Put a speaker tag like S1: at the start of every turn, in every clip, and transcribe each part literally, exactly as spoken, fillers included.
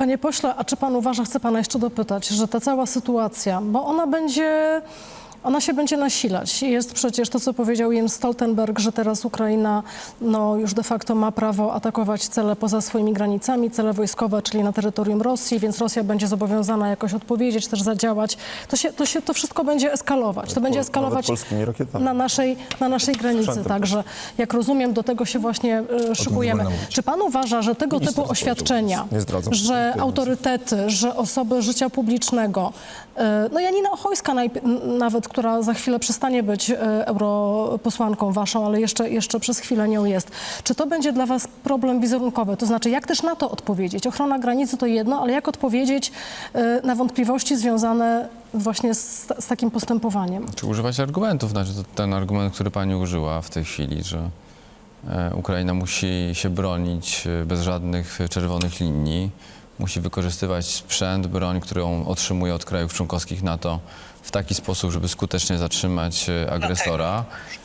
S1: Panie pośle, a czy pan uważa, chcę pana jeszcze dopytać, że ta cała sytuacja, bo ona będzie, ona się będzie nasilać. Jest przecież to, co powiedział Jens Stoltenberg, że teraz Ukraina no, już de facto ma prawo atakować cele poza swoimi granicami, cele wojskowe, czyli na terytorium Rosji, więc Rosja będzie zobowiązana jakoś odpowiedzieć, też zadziałać. To, się, to, się, to wszystko będzie eskalować. To będzie eskalować na naszej, na naszej granicy. Także, jak rozumiem, do tego się właśnie y, szykujemy. Czy pan uważa, że tego typu oświadczenia, że autorytety, że osoby życia publicznego, y, no Janina Ochojska najp- nawet, która za chwilę przestanie być y, europosłanką waszą, ale jeszcze, jeszcze przez chwilę nią jest. Czy to będzie dla was problem wizerunkowy? To znaczy, jak też na to odpowiedzieć? Ochrona granicy to jedno, ale jak odpowiedzieć y, na wątpliwości związane właśnie z, z takim postępowaniem?
S2: Czy używać argumentów? Znaczy, to ten argument, który pani użyła w tej chwili, że e, Ukraina musi się bronić e, bez żadnych czerwonych linii, musi wykorzystywać sprzęt, broń, którą otrzymuje od krajów członkowskich NATO w taki sposób, żeby skutecznie zatrzymać e, agresora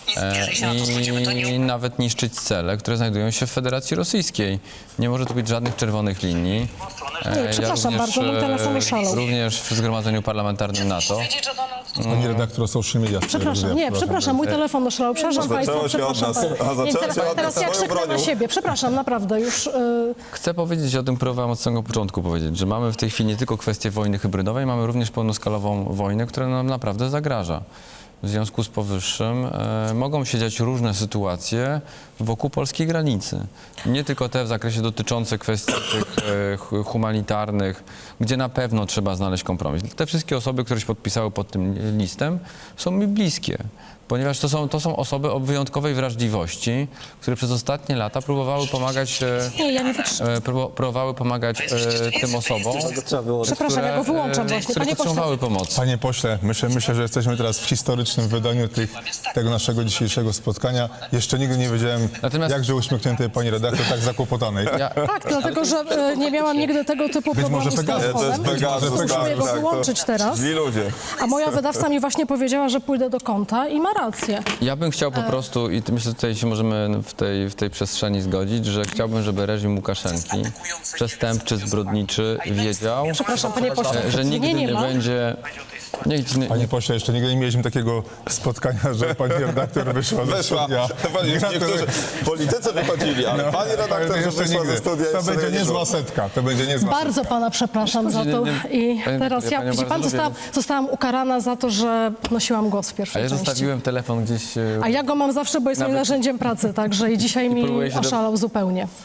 S2: e, i nawet niszczyć cele, które znajdują się w Federacji Rosyjskiej. Nie może tu być żadnych czerwonych linii.
S1: Nie, przepraszam bardzo, mój telefon oszalał.
S2: Również w Zgromadzeniu Parlamentarnym NATO.
S3: Pani redaktor o social media.
S1: Przepraszam, nie, przepraszam, mój telefon oszalał. Przepraszam państwa, przepraszam. Teraz, teraz ja krzyknę na siebie. Przepraszam, naprawdę, już... y,
S2: Chcę powiedzieć o tym, próbowałem od samego początku powiedzieć, że mamy w tej chwili nie tylko kwestię wojny hybrydowej, mamy również pełnoskalową wojnę, która nam naprawdę zagraża. W związku z powyższym e, mogą się dziać różne sytuacje wokół polskiej granicy. Nie tylko te w zakresie dotyczące kwestii tych e, hu- humanitarnych, gdzie na pewno trzeba znaleźć kompromis. Te wszystkie osoby, które się podpisały pod tym listem, są mi bliskie, ponieważ to są, to są osoby o wyjątkowej wrażliwości, które przez ostatnie lata próbowały pomagać, e,
S1: Nie, ja nie wytrzymam.
S2: e, próbo- próbowały pomagać e, tym osobom,
S1: Przepraszam, ja go wyłączam
S2: które,
S1: właśnie.
S2: które
S1: Panie pośle,
S2: potrzebowały pomocy.
S3: Panie pośle, myślę, myślę, że jesteśmy teraz w historycznym wydaniu tych, tego naszego dzisiejszego spotkania. Jeszcze nigdy nie wiedziałem,
S2: Natomiast-
S3: jakże uśmiechniętej pani redaktor, tak zakłopotanej.
S2: Ja,
S1: tak, dlatego, że e, nie miałam nigdy tego typu
S3: Być
S1: problemu
S3: może
S1: z
S3: Pegasus.
S1: telefonem.
S3: To jest Pegasus,
S1: Muszę
S3: tak,
S1: go
S3: tak, to
S1: wyłączyć teraz.
S4: Źli ludzie.
S1: A moja wydawca mi właśnie powiedziała, że pójdę do konta i ma rację.
S2: Ja bym chciał po prostu, i myślę, że tutaj się możemy w tej, w tej przestrzeni zgodzić, że chciałbym, żeby reżim Łukaszenki, przestępczy, zbrodniczy, wiedział,
S1: Przepraszam, panie pośle.
S2: e, że nigdy
S1: nie,
S2: nie,
S1: nie ma.
S2: będzie... Nigdy, nie,
S3: Panie pośle, jeszcze nigdy nie mieliśmy takiego spotkania, że pani redaktor wyszła ze
S4: Weszła.
S3: studia.
S4: Pani, niektórzy politycy wychodzili, ale pani redaktor, że
S3: jeszcze
S4: wyszła
S3: nigdy.
S4: ze studia
S3: To
S4: i sobie
S3: będzie
S4: nie
S3: niezła
S4: szło.
S3: setka. To będzie niezła
S1: Bardzo pana przepraszam za
S2: Nie,
S1: to
S2: nie,
S1: i
S2: panie-
S1: teraz
S2: ja
S1: ja,
S2: panią
S1: widzi
S2: bardzo
S1: pan,
S2: lubię,
S1: zostałam, zostałam ukarana za to, że nosiłam głos w
S2: A
S1: pierwszej
S2: ja
S1: części.
S2: zostawiłem telefon gdzieś... e,
S1: A ja go mam zawsze, bo jest moim
S2: Nawet-
S1: narzędziem pracy, także i dzisiaj mi
S2: próbuję się do-
S1: oszalał zupełnie.